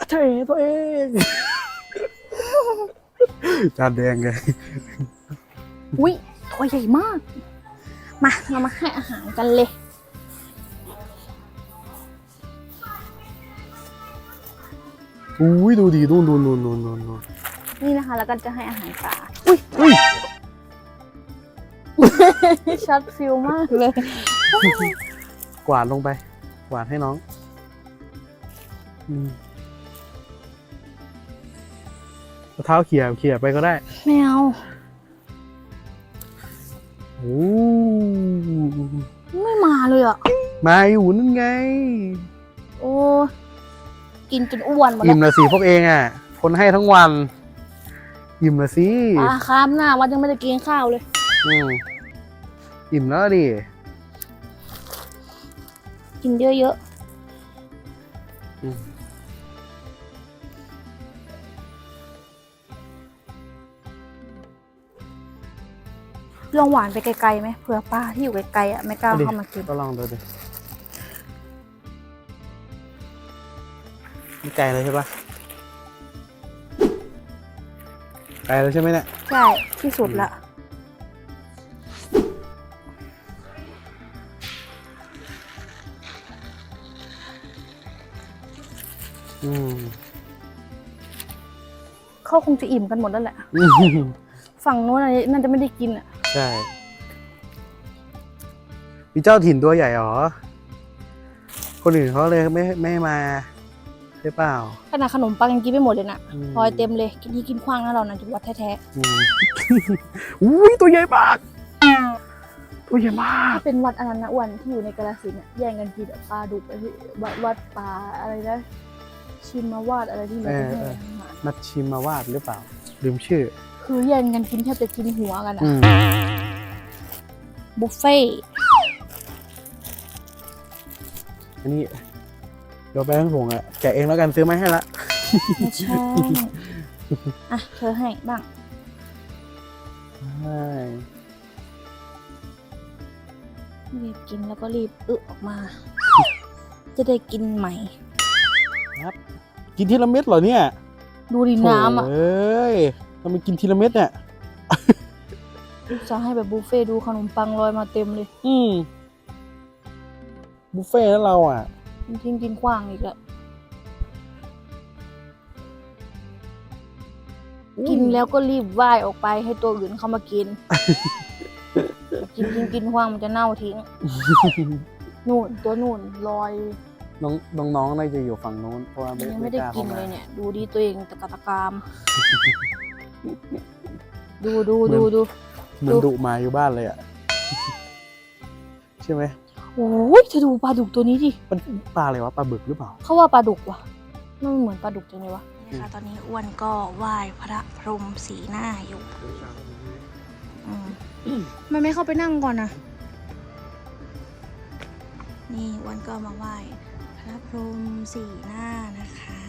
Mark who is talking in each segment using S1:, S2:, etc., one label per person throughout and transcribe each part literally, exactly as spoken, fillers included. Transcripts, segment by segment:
S1: เฉยตัวเองจานแดงไง
S2: อุ้ยตัวใหญ่มากมาเรามาให้อาหารกันเลย
S1: อุ้ยดูดีนู่นนู่นนู่นนู่นนู่น
S2: นี่นะคะแล้วก็จะให้อาหารปลา
S1: อุ้ยอุ้ย
S2: ช็อตฟิลมากเลย
S1: กวาดลงไปกวาดให้น้องเท้าเขี่ยเขี่ยไปก็ได้
S2: ไม่เอา
S1: โอ้
S2: ไม่มาเลยอ่ะ
S1: มาอยู่นั่นไง
S2: โอ้กินจนอ้วนหมดแล้ว
S1: อิ่มละสิพวกเองอ่ะคนให้ทั้งวันอิ่มละสิ
S2: ปลาคาบหน้าวัดยังไม่ได้กินข้าวเลย
S1: อืมอิ่มแล้วดิ
S2: กินเยอะๆลองหวานไปไกลๆไหมเผื่อป้าที่อยู่ไกลๆอ่ะไม่กล้าเข้ามากิน
S1: ก็ลองดูดิไม่ไกลเลยใช่ปะไกลเลยใช่ไหมเนี่ย
S2: ใช่ที่สุดละ
S1: อืม
S2: เขาคงจะอิ่มกันหมดแล้วแหละฝั่งโน้นน่าจะไม่ได้กินอ่ะ
S1: ใช่มีเจ้าถิ่นตัวใหญ่หรอคนอื่นเขาเลยไม่ไม่มาใช่เปล่า
S2: ขนาดขนมปังยังกินไม่หมดเลยนะพลอยเต็มเลยกินที่กินขว้างนะเรานะจุดวัดแท้
S1: ๆอุ้ยตัวใหญ่มากตัวใหญ่มาก
S2: ถ้าเป็นวัดอันนั้นนะอ้วนที่อยู่ในกาฬสินธุ์แย่งกันกินปลาดุกวัดวัดปลาอะไรนะชิมมาวาดอะไรที่มันเป็น
S1: มัดชิมมาวาดหรือเปล่าลืมชื่อ
S2: คือแย่งกันกินแทบจะกินหัวกันอะบุฟเฟ่
S1: อันนี้เดี๋ยวไปทั้งผงอะแกะเองแล้วกันซื้อไม่ให้ละ
S2: ไม่ใช่อ่ะเธอให้บ้าง
S1: ใช่
S2: รีบกินแล้วก็รีบอึออกมาจะได้กินใหม่
S1: ครับกินทีละเม็ดเหรอเนี่ย
S2: ดูดิน้ำอ่ะ
S1: เอ้ยทำไมกินทีละเม็ดเนี่ย
S2: จะให้แบบบุฟเฟ่ดูขนมปังลอยมาเต็มเลย
S1: อืมบุฟเฟ่แล้วเราอ่ะ
S2: ทิ้งกินขว้างอีกแล้วกินแล้วก็รีบว่ายออกไปให้ตัวอื่นเข้ามากินกินกินกินขว้างมันจะเน่าทิ้งนู่นตัวนู่นลอย
S1: น้องน้องๆน่าจะอยู่ฝั่งโน้นเพราะว่า
S2: ยังไม่ได้กินเลยเนี่ยดูดีตัวเองตะกะตะกามดูดูดูดู
S1: มันดุมาอยู่บ้านเลยอ่ะใช่ไหม
S2: โอ้ยเธอดูปลาดุกตัวนี้ดิ
S1: มันปลาอะไรวะปลาบึกหรือเปล่า
S2: เขาว่าปลาดุกว่ะมันเหมือนปลาดุกจังเลยวะค่ะตอนนี้อ้วนก็ไหว้พระพรหมสีหน้าอยู่มันไม่เข้าไปนั่งก่อนนะนี่อ้วนก็มาไหว้พระพรหมสีหน้านะคะ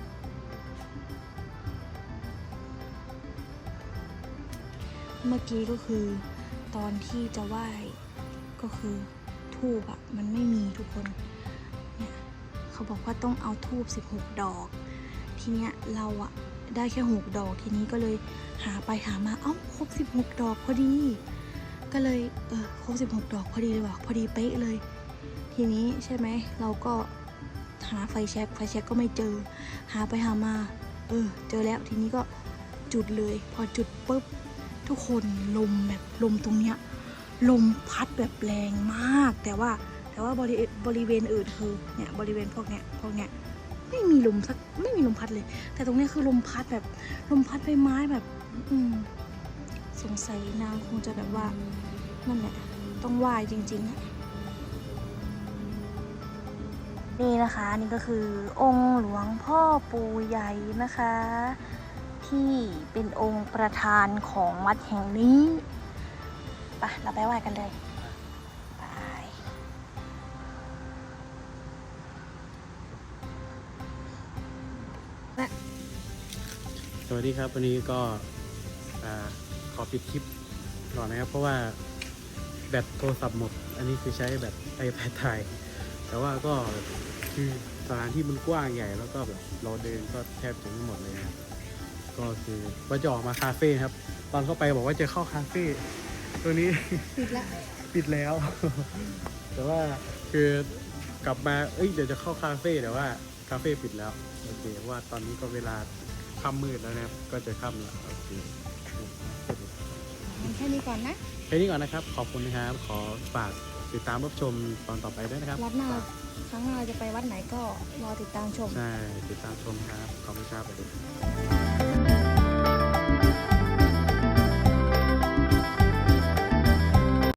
S2: เมื่อกี้ก็คือตอนที่จะไหว้ก็คือธูปอะมันไม่มีทุกคนเนี่ยเขาบอกว่าต้องเอาธูปสิบหกดอกทีเนี้ยเราอะได้แค่หกดอกทีนี้ก็เลยหาไปหามาเอ้าครบสิบหกดอกพอดีก็เลยเออครบสิบหกดอกพอดีเลยว่ะพอดีเป๊ะเลยทีนี้ใช่ไหมเราก็หาไฟแช็กไฟแช็กก็ไม่เจอหาไปหามาเออเจอแล้วทีนี้ก็จุดเลยพอจุดปุ๊บทุกคนลมแบบลมตรงเนี้ยลมพัดแบบแรงมากแต่ว่าแต่ว่าบริบริเวณอื่นคือเนี่ยบริเวณพวกเนี้ยพวกเนี้ยไม่มีลมสักไม่มีลมพัดเลยแต่ตรงนี้คือลมพัดแบบลมพัดใบไม้แบบอืมสงสัยนางคงจะแบบว่านั่นแหละต้องไหว้จริงๆอะนี่นะคะนี่ก็คือองค์หลวงพ่อปู่ใหญ่นะคะที่เป็นองค์ประธานของวัดแห่งนี้ไปเราไปไหว้กันเลยไป
S1: สวัสดีครับวันนี้ก็ขอปิดคลิปก่อนนะครับเพราะว่าแบตโทรศัพท์หมดอันนี้คือใช้แบตไอแพดถ่ายแต่ว่าก็คือสถานที่มันกว้างใหญ่แล้วก็แบบเราเดินก็แทบจะไม่หมดเลยนะครับก็คือว่าจะออกมาคาเฟ่ครับ ตอนเข้าไปบอกว่าจะเข้าคาเฟ่ตัวนี้
S2: ปิดละ
S1: ปิดแล้ว แต่ว่าคือกลับมาเอ้ยเดี๋ยวจะเข้าคาเฟ่แต่ว่าคาเฟ่ปิดแล้วโอเคเพราะว่าตอนนี้ก็เวลาค่ำมืดแล้วนะครับก็จะค่ำแล้วโอเค
S2: งั้นแค่นี้ก่อนนะ
S1: แค่นี้ก่อนนะครับขอบคุณนะครับขอฝากติดตามรับชมตอนต่อไปด้วยนะครับ
S2: วัดหน้าครั้งหน้าเราจะไปวัดไหนก็รอติดตามชม
S1: ใช่ติดตามชมครับขอบคุณครับสวัสดีครับ